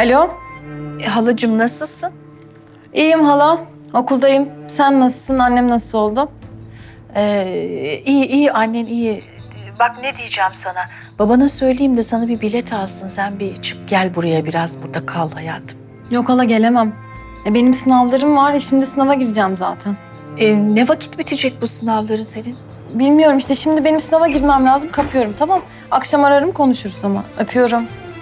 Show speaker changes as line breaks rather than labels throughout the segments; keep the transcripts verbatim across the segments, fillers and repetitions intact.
Alo,
E, halacığım nasılsın?
iyiyim hala. Okuldayım. Sen nasılsın? Annem nasıl oldu?
Ee, iyi iyi annen iyi. Bak ne diyeceğim sana. Babana söyleyeyim de sana bir bilet alsın. Sen bir çık gel buraya biraz burada kal hayatım.
Yok hala gelemem. E, benim sınavlarım var. E, şimdi sınava gireceğim zaten.
Ee, ne vakit bitecek bu sınavların senin?
Bilmiyorum işte şimdi benim sınava girmem lazım. Kapıyorum tamam. Akşam ararım konuşuruz ama. Öpüyorum.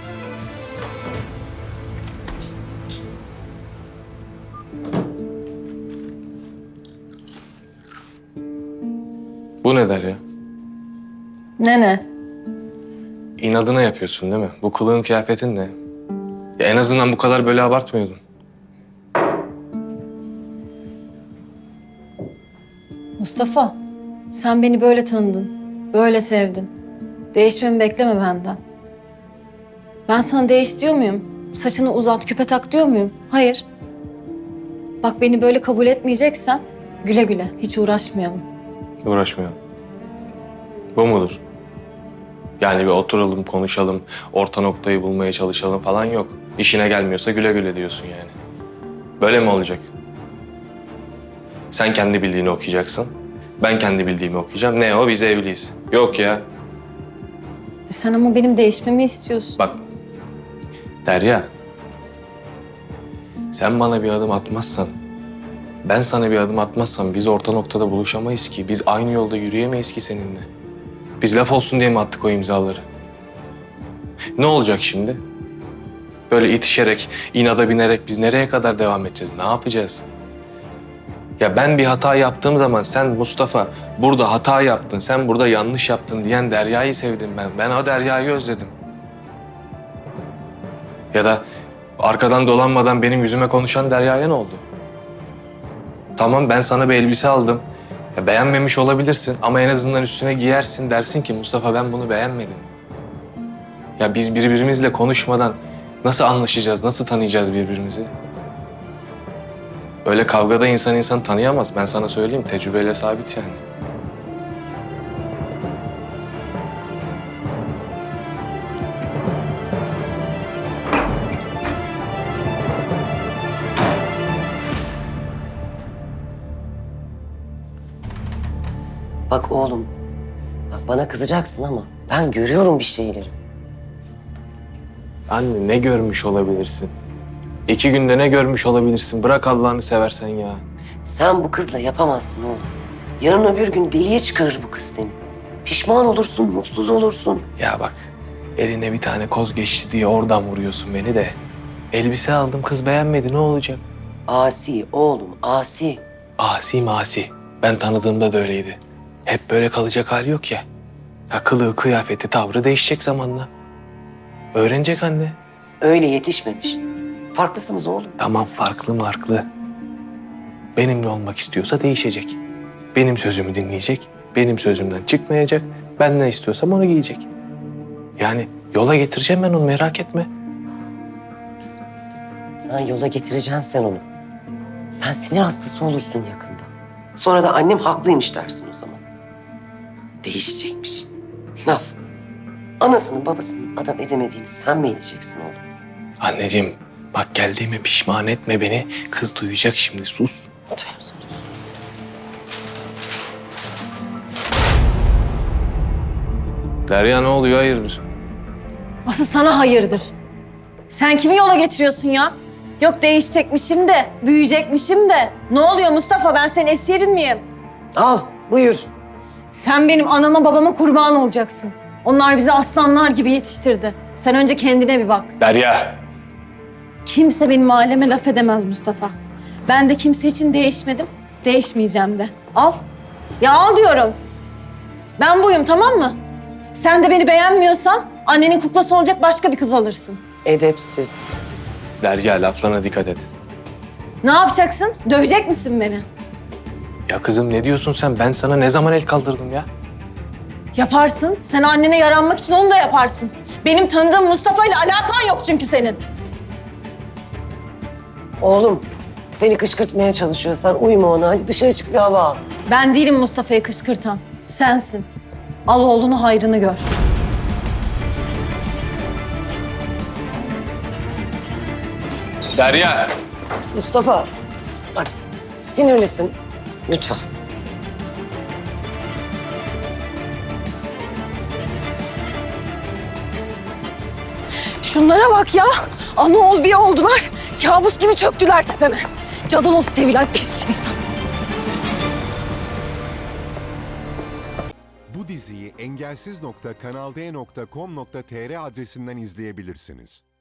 Bu ne der ya?
Ne ne?
İnadına yapıyorsun değil mi? Bu kılığın kıyafetin ne? Ya en azından bu kadar böyle abartmıyordun.
Mustafa, sen beni böyle tanıdın. Böyle sevdin. Değişmemi bekleme benden. Ben sana değiş diyor muyum? Saçını uzat, küpe tak diyor muyum? Hayır. Bak beni böyle kabul etmeyeceksen güle güle, hiç uğraşmayalım.
Uğraşmıyorum. Bu mudur? Yani bir oturalım, konuşalım, orta noktayı bulmaya çalışalım falan yok. İşine gelmiyorsa güle güle diyorsun yani. Böyle mi olacak? Sen kendi bildiğini okuyacaksın. Ben kendi bildiğimi okuyacağım. Ne o? Biz evliyiz. Yok ya.
E sen ama benim değişmemi istiyorsun.
Bak. Derya. Sen bana bir adım atmazsan, ben sana bir adım atmazsam biz orta noktada buluşamayız ki. Biz aynı yolda yürüyemeyiz ki seninle. Biz laf olsun diye mi attık o imzaları? Ne olacak şimdi? Böyle itişerek, inada binerek biz nereye kadar devam edeceğiz? Ne yapacağız? Ya ben bir hata yaptığım zaman sen Mustafa burada hata yaptın, sen burada yanlış yaptın diyen Derya'yı sevdim ben. Ben o Derya'yı özledim. Ya da arkadan dolanmadan benim yüzüme konuşan Derya'ya ne oldu? Tamam ben sana bir elbise aldım. Ya beğenmemiş olabilirsin ama en azından üstüne giyersin dersin ki Mustafa ben bunu beğenmedim. Ya biz birbirimizle konuşmadan nasıl anlaşacağız, nasıl tanıyacağız birbirimizi? Öyle kavgada insan insan tanıyamaz. Ben sana söyleyeyim tecrübeyle sabit yani.
Bak oğlum, bak bana kızacaksın ama ben görüyorum bir şeyleri.
Anne ne görmüş olabilirsin? İki günde ne görmüş olabilirsin? Bırak Allah'ını seversen ya.
Sen bu kızla yapamazsın oğlum. Yarın öbür gün deliye çıkarır bu kız seni. Pişman olursun, mutsuz olursun.
Ya bak eline bir tane koz geçti diye oradan vuruyorsun beni de. Elbise aldım kız beğenmedi ne olacak?
Asi oğlum, asi.
Asi masi. Ben tanıdığımda da öyleydi. Hep böyle kalacak hali yok ya. Ya kılığı, kıyafeti, tavrı değişecek zamanla. Öğrenecek anne.
Öyle yetişmemiş. Farklısınız oğlum.
Tamam farklı farklı. Benimle olmak istiyorsa değişecek. Benim sözümü dinleyecek. Benim sözümden çıkmayacak. Ben ne istiyorsam onu giyecek. Yani yola getireceğim ben onu merak etme.
Ha, yola getireceksin sen onu. Sen sinir hastası olursun yakında. Sonra da annem haklıymış dersin o zaman. Değişecekmiş. Laf. Anasının babasının adam edemediğini sen mi edeceksin oğlum?
Anneciğim bak geldiğime pişman etme beni. Kız duyacak şimdi sus.
Duyarsan duysun.
Derya ne oluyor hayırdır?
Asıl sana hayırdır. Sen kimi yola getiriyorsun ya? Yok değişecekmişim de, büyüyecekmişim de. Ne oluyor Mustafa? Ben senin esirin miyim?
Al, buyur.
Sen benim anama babama kurban olacaksın. Onlar bizi aslanlar gibi yetiştirdi. Sen önce kendine bir bak.
Derya.
Kimse benim aileme laf edemez Mustafa. Ben de kimse için değişmedim, değişmeyeceğim de. Al. Ya al diyorum. Ben buyum tamam mı? Sen de beni beğenmiyorsan annenin kuklası olacak başka bir kız alırsın.
Edepsiz.
Derya laflarına dikkat et.
Ne yapacaksın? Dövecek misin beni?
Ya kızım ne diyorsun sen? Ben sana ne zaman el kaldırdım ya?
Yaparsın. Sen annene yaranmak için onu da yaparsın. Benim tanıdığım Mustafa ile alakan yok çünkü senin.
Oğlum, seni kışkırtmaya çalışıyor. Sen uyma ona. Hadi dışarı çık bir hava al.
Ben değilim Mustafa'yı kışkırtan. Sensin. Al oğlunu hayrını gör.
Derya!
Mustafa, bak sinirlisin. Lütfen.
Şunlara bak ya. Ana ol bir oldular. Kabus gibi çöktüler tepeme. Cadaloz sevilen pis şeytan.
Bu diziyi engelsiz nokta kanal d nokta com nokta tr adresinden izleyebilirsiniz.